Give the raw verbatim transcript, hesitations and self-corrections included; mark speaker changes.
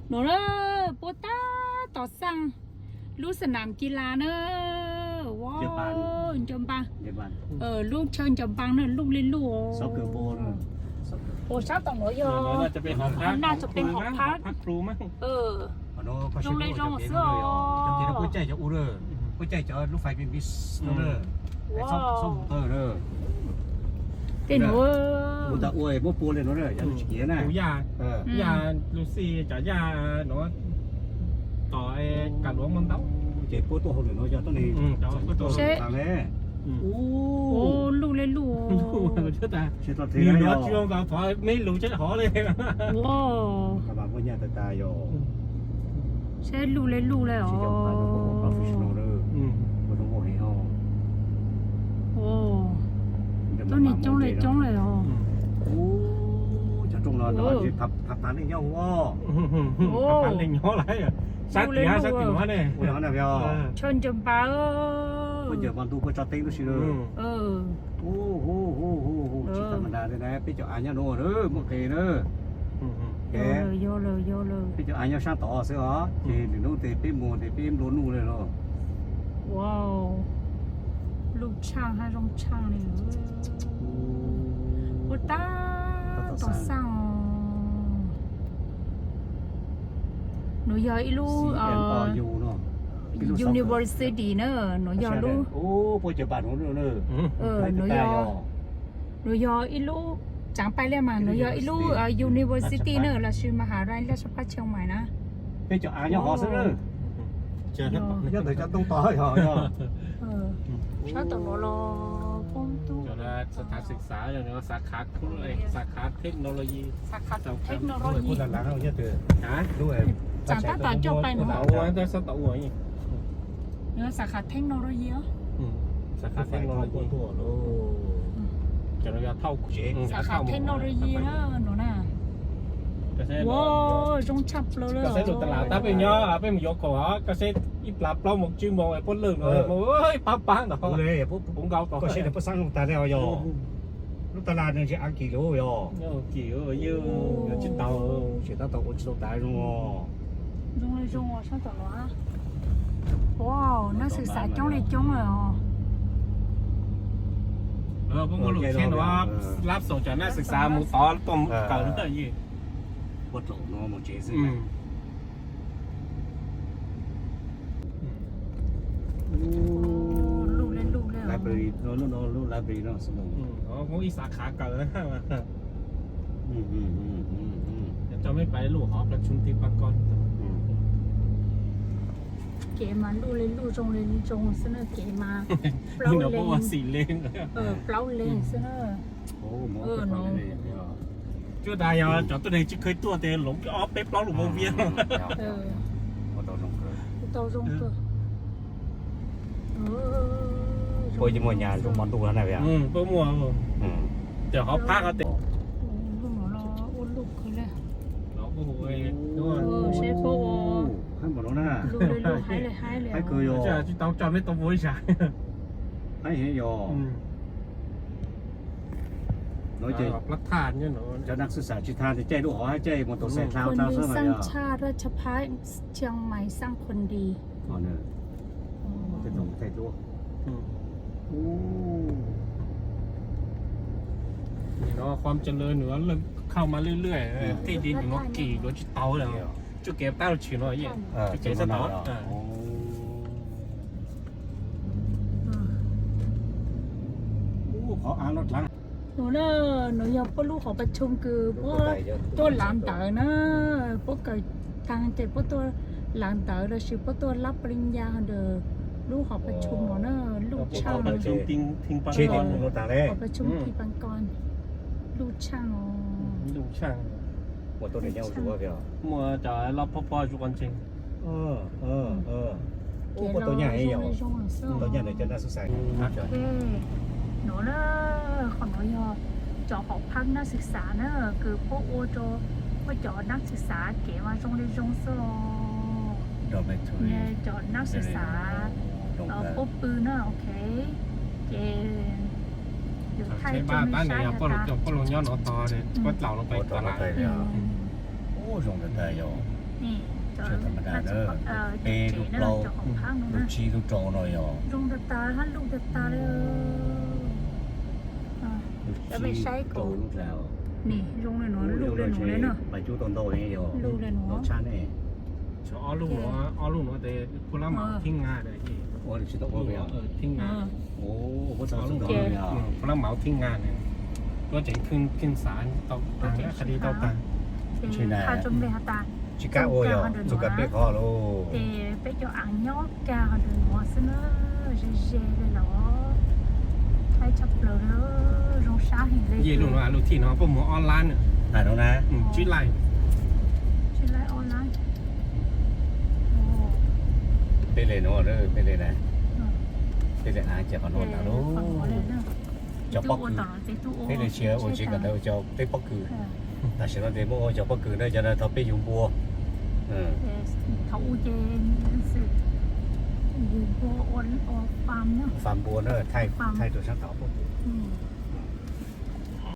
Speaker 1: หนูเนอะโปต้าต่อสั่งลูกสนามกีฬาเนอะว้าวจมปังเออลูกเชิญจมปังเนอะลูกเล่นลูก
Speaker 2: ซ็อกเกอร์โบน
Speaker 1: โอ้ชอบต่างหัวยอ
Speaker 3: น่าจะเป็นหอพัก
Speaker 1: น่าจะเป็นหอพัก
Speaker 3: พักครูมั้ง
Speaker 1: เออ
Speaker 2: โรงเรียนโรงเสือจำเป็นผู้ใจจะอูเรอผู้ใจจะลูกไฟเป็นบิสเนอร์ว้าวส้มเออเนอ
Speaker 1: เต้นหัว
Speaker 2: บุตรอวยบุปูเลยเนอะอย่าลูกเขียนนะ
Speaker 3: ยาเออยาลูซี่จะยาเนาะต่อไอ้กระหลวงมันเต้า
Speaker 2: เจ็บปวดตัวเขาเลยเนาะจะต้องนี่
Speaker 1: ใช่
Speaker 2: ทางนี้
Speaker 1: โอ้ลูกเล่นลูก
Speaker 3: เชื่อแต่
Speaker 2: เชื่อตัวที
Speaker 3: นี่
Speaker 2: นะ
Speaker 3: เนาะช่วงเราพอไม่รู้จะหอเลย
Speaker 1: ว้าว
Speaker 2: กำลังพ่อเนี่ยตาตายอยู่
Speaker 1: ใช่ลูกเล่นลูกเลยอ๋อ
Speaker 2: ใช่จะพาตัวโปรเฟชชั่นอลเลยไม่ต้องบอกให้เขา
Speaker 1: โอ้ตัวนี้จ้องเลยจ้องเลยอ๋อ
Speaker 2: โอ้จะจ้องเราเนาะจะทับทับตาเล่นย่องวะ
Speaker 3: โอ้ทับตาเล่นย่ออะไรอ่ะสักกี่ฮะสักกี่วะเนี่ย
Speaker 2: โอ้ยนั่นเดียว
Speaker 1: ชนจมปาเออ
Speaker 2: มันจะมันดูเพื่อจัดเต็งดูสิเลย
Speaker 1: เออ
Speaker 2: โอ้โหโอ้โหโอ้ชิธรรมดาเลยนะพี่เจ้าอันยาโน่เนอะเมื่อกี้เนอะ
Speaker 1: แกโยเลยโยเลย
Speaker 2: พี่เจ้าอันยาช่างต่อเสียเหรอที่หนึ่งนู้นเตะปีมูเตะปีมโดนนู่นเลยเหรอ
Speaker 1: ว้าวลูกช่างให้ร้องช่างเลยโอ้ตาต่อสั่งหนูยออีลูเอ่อ University เนอะหนูยอลู
Speaker 2: โอ้พอจะบาดหนูเนอะ
Speaker 1: เออหนูยอหนูยออีลูจางไปเลยมาหนูยออีลูเอ่อ University เนอะราชมหาวิทยาลัยราชภัฏเชียงใหม่นะ
Speaker 2: พี่เจ้าอ่านยังหอซะเนอะ
Speaker 3: เจ้ายัง
Speaker 2: แต่จะต้องต่อให้หอเนอะ
Speaker 1: เออชอบต่อรอป้องตู้
Speaker 3: เจ้าละสถานศึกษาอย่างนี้สาขาคุณเลยสาขาเทคโนโลยี
Speaker 1: สาขาเทคโนโลยี
Speaker 2: พูดหลังๆเราเยอะเตือน
Speaker 3: ฮะ
Speaker 2: ด้วย
Speaker 1: จางตาต่อจบไปหนู
Speaker 3: เอาไว้แต่สตอหัวอีก
Speaker 1: เนื้อสาขาเทคโนโลยีเหรอ
Speaker 3: สาขาเทคโนโลยี
Speaker 2: ทั่วโลก
Speaker 3: จะเราจะเท่า
Speaker 1: สาขาเทคโนโลยีนะหนูน่ะว้าวจงชับเลยเลย
Speaker 3: ก็เซ็ตหลุดตลาดถ้าเป็นย่อเป็นยกขอก็เซ็ตอีปลาปลาหมกจิ้มมองไอ้พ่นเลื่อนเลยโอ้ยป้าป้าเนาะ
Speaker 2: เลย
Speaker 3: ผมเกาต่อ
Speaker 2: ก็เซ็ตแต่พอสร้างลูกตาได้เอาย่อลูกตลาดเนี่ยจะอังกฤษโลย่อ
Speaker 3: กี่เออเยอะชิ้นเตา
Speaker 2: ชิ้นเตาตัวชิ้นตายรู้อ๋อ
Speaker 1: รู้เลยรู้อ่ะช่างต่อหรอว้าวนักศึกษาจ้องเลยจ้องเลยอ๋อ
Speaker 3: เออพวกลูกเช่นว่ารับส่งจากนักศึกษาหมู่ต่อต้มเก่าตั้งยี่
Speaker 2: วัดหลงเนาะหมู่เจสิ
Speaker 1: ลูกเล่นลูกเล่น
Speaker 2: ไลบรารีเนาะเนาะลูกไลบรารีเนาะสมอง
Speaker 3: อ๋อพวกอีสาขาเก่านะ
Speaker 2: อืมอืมอืมอืมอืม
Speaker 3: จะไม่ไปลูกหอประชุมที่ปากร
Speaker 1: เก๋มาลูกเล่นลูกจงเล่นจงเสนอเก๋มา
Speaker 3: เปล่าเลนสี่เลน
Speaker 1: เออเปล่าเลนเสนอ
Speaker 2: โอ้เออเนาะ
Speaker 3: ช่วยได้ยังจอดตัวเองจะเคยตัวเดียวหลงก็อ๋อเป๊ะเปล่าหลุมโมเวียน
Speaker 1: เออ
Speaker 2: โตรงเกอ
Speaker 1: โตรงเกอเออ
Speaker 2: พอจะมัวหยาตรงมันตัวนั่นแหละ
Speaker 3: อืมพวกมัวอืมเดี๋ยวเขาพักเขาเตะ
Speaker 1: ลูกหมอรออุ้นลูกคือเลย
Speaker 3: เราโอ้โหด้วย
Speaker 1: เชฟโอ้
Speaker 2: ให้หมดแล้วนะ
Speaker 1: ลูกเลยลูกหายเลยหายเลย
Speaker 2: ให้คือโย
Speaker 3: จะที่ต้องจำไม่ต้องโวยใช่
Speaker 2: ให้เฮียโยnói
Speaker 3: chơi lắc than như nó
Speaker 2: choนักศึกษาชิทานจะใจลูกหอให้ใจมอเตอร์ไซค์เท้าเท้า
Speaker 1: เสื้อสร้างชาติราชพัฒเชียงใหม่สร้างคนดี
Speaker 2: อ๋อเนอะจะต้องใจลูกโอ้
Speaker 3: นี่เนาะความเจริญเหนือเริ่มเข้ามาเรื่อยๆที่ดินเนาะกี่รถจิตเตาแล้วจุดเก็บเต้าฉีนหน่อยยี่จุดเก็บสต๊อก
Speaker 2: โอ้ขออ่านรถหลัง
Speaker 1: หนูเนอะหนูอยากพวกลูกขอประชุมคือพวกตัวหลานเต๋อนะพวกเกิดทางเจ็ดพวกตัวหลานเต๋อเราชื่อพวกตัวรับปริญญาเด้อลูกขอประชุมหนูเนอะลูกช่าง
Speaker 3: ประชุมทิ้งทิ้งปังกร
Speaker 1: ขอประชุมทิ้งปังกรลูกช่างอ๋อ
Speaker 3: ลูกช่าง
Speaker 2: หมดตัวไหนเจ้าชัวร์เปล่า
Speaker 3: มัวจะรับพ่อพ่อจุกันจริง
Speaker 2: เออเออเออโอ้ตัวใหญ่เหรอตัวใหญ่เลยจะน่าสงสัย
Speaker 1: หนูเนอะของหนูยอจอหอพักนักศึกษาเนอะคือพวกโอโจว่าจอนักศึกษาเก๋มาจงเรียนจงโซ่เนี่ยจอนักศึกษาเออพวกปืนเนอะโอเคเก๋อยู่ไทยจงไม่ใช่
Speaker 3: ก็ลงก็ลงย้อนอตอเลยก็เหล่าลงไปตลาด
Speaker 2: โอ้จงจะได้ยอ
Speaker 1: นี่จอ
Speaker 4: เชื่อธรรมดาเด้อ
Speaker 1: เออ
Speaker 4: เป
Speaker 1: เจ๋
Speaker 4: ลูก
Speaker 1: เนอะ
Speaker 4: เรา
Speaker 1: เจ้าของพัง
Speaker 4: ลู
Speaker 1: เนาะ
Speaker 4: กชีลูกโจหน่อยอ๋อ
Speaker 1: ลุงตาตาฮันลุงตาตาเลยเออ
Speaker 4: ลูก
Speaker 1: แล้วไม่ใช่
Speaker 4: โจ
Speaker 1: กู
Speaker 4: ลูกแล้ว
Speaker 1: นี่ลุงเลยหนูลูกเลยหนูเลยเนาะ
Speaker 4: ไปจู้ต้นโตนี่อ๋อ
Speaker 1: ลูกเลยหนู
Speaker 4: รสชาตินี่
Speaker 3: ชอลูกเนาะอ้อลูกเนาะแต่พลาหมาทิ้งงาเลยที่
Speaker 4: โอ้ยชิโตโอ้ย
Speaker 3: เออทิ้งงา
Speaker 4: โอ้โหสาวสุด
Speaker 1: เจ๋
Speaker 4: เลยอ่ะ
Speaker 3: พลาหมาทิ้งงาเนี่ยก็จะขึ้นขึ้นศาลต่อตางคดีต่อตาง
Speaker 1: ข้าจมเลยฮะตา
Speaker 4: ชิก้าโอ้ยอ่ะสุกัดเป้คอโล
Speaker 1: เตไปเจาะอ่างยอกกาเดินหัวซะเนอะเจ๊เจ๊เลยเหรอให้จับเลยเนอะรองช้าเห็นเลย
Speaker 3: เย่ลูกเนาะลูกที่เนาะพวกหมอออนไลน์เนี่ย
Speaker 4: อ่านแล้วนะ
Speaker 3: ชื่อไลน์
Speaker 1: ชื่อไรออนไลน์โอ้
Speaker 4: เป็นเลยเนาะเด้อเป็นเลยนะเป็นเลยหาเจ้าขนมนะลูก
Speaker 1: คนหัวเลยเนอะ
Speaker 4: เจ้าป๊อกคือ
Speaker 1: เป็
Speaker 4: เป็น
Speaker 1: น
Speaker 4: เลยเชียร์โอ้ชิกันเด้อเจ้าเป็นป๊อกคือแต่ฉันว่าเดโมเจ้าป๊อกคือเด้อจะได้ทำไปยุงบัวเออ
Speaker 1: เขาอูเจนสิอยู่บัวออนออกฟาร์มเนอะ
Speaker 4: ฟาร์มบัวเนอะไทยไทยตัวช่างเต่า
Speaker 1: อืม